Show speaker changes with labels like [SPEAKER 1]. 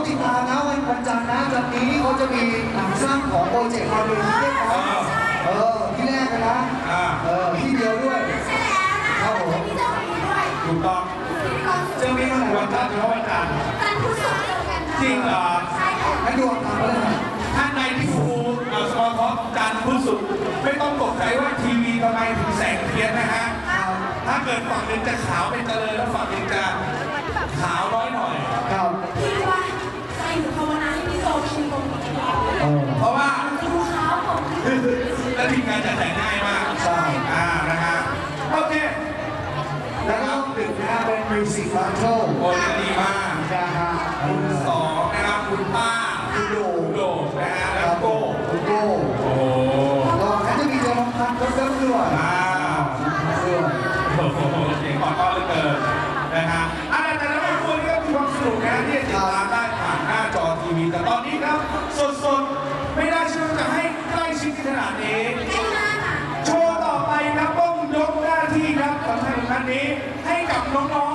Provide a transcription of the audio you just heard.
[SPEAKER 1] ต้องติดตามนะวันจันทร์นะจันทร์นี้เขาจะมีหนังสั้นของโปรเจกต์มาดูที่เรียกว่าที่แรกเลยนะที่เดียวด้วยครับผม
[SPEAKER 2] ถูกต้อง
[SPEAKER 1] เจอมีวันไหน
[SPEAKER 2] วันจันทร์เฉพาะวันจันทร์จริงเหรอ
[SPEAKER 1] ให้ดูตามไปเลย
[SPEAKER 2] ท่านในที่ฟูสมอลท็อปจันทร์พุธศุกร์ไม่ต้องตกใจว่าทีวีทำไมถึงแสงเทียนนะฮะถ้าเกิดฝั่งหนึ่งจะขาวเป็นเจริญแล้วฝั่งหนึ่งจะขาวน้อยหน่อย
[SPEAKER 1] ครับ
[SPEAKER 3] พี่ว่าใครอยู่ภาวนาให้พี่โตชิมตรงนี้
[SPEAKER 2] เพราะว่า
[SPEAKER 3] ดูขาวผม
[SPEAKER 2] และทีมงานจะแต่งง่ายมาก
[SPEAKER 1] ใช่
[SPEAKER 2] นะฮะโอเค
[SPEAKER 1] แล้วก็ดึกนะเป็นมิวสิกบาร์เทิล
[SPEAKER 2] โอ้จะดีมาก
[SPEAKER 1] นะฮะ
[SPEAKER 2] คุณสองนะครับคุณป้า
[SPEAKER 1] คุณโด
[SPEAKER 2] นะฮะแล้วโก้
[SPEAKER 1] คุณโก้
[SPEAKER 2] โอ้
[SPEAKER 1] ก็เขาจะมีเจอน้องพันธุ์ก็ด้วย
[SPEAKER 2] โอ้โหเสียงก่อนก็เหลือเกินนะฮะแต่ละคนก็มีความสนุกนะที่จะติดตามได้ผ่านหน้าจอทีวีแต่ตอนนี้ครับสดๆไม่ได้เชื่อจะให้ใกล้ชิดขนาดนี้โชว์ต่อไปครับต้องยกหน้าที่ครับสำคัญนี้ให้กับน้อง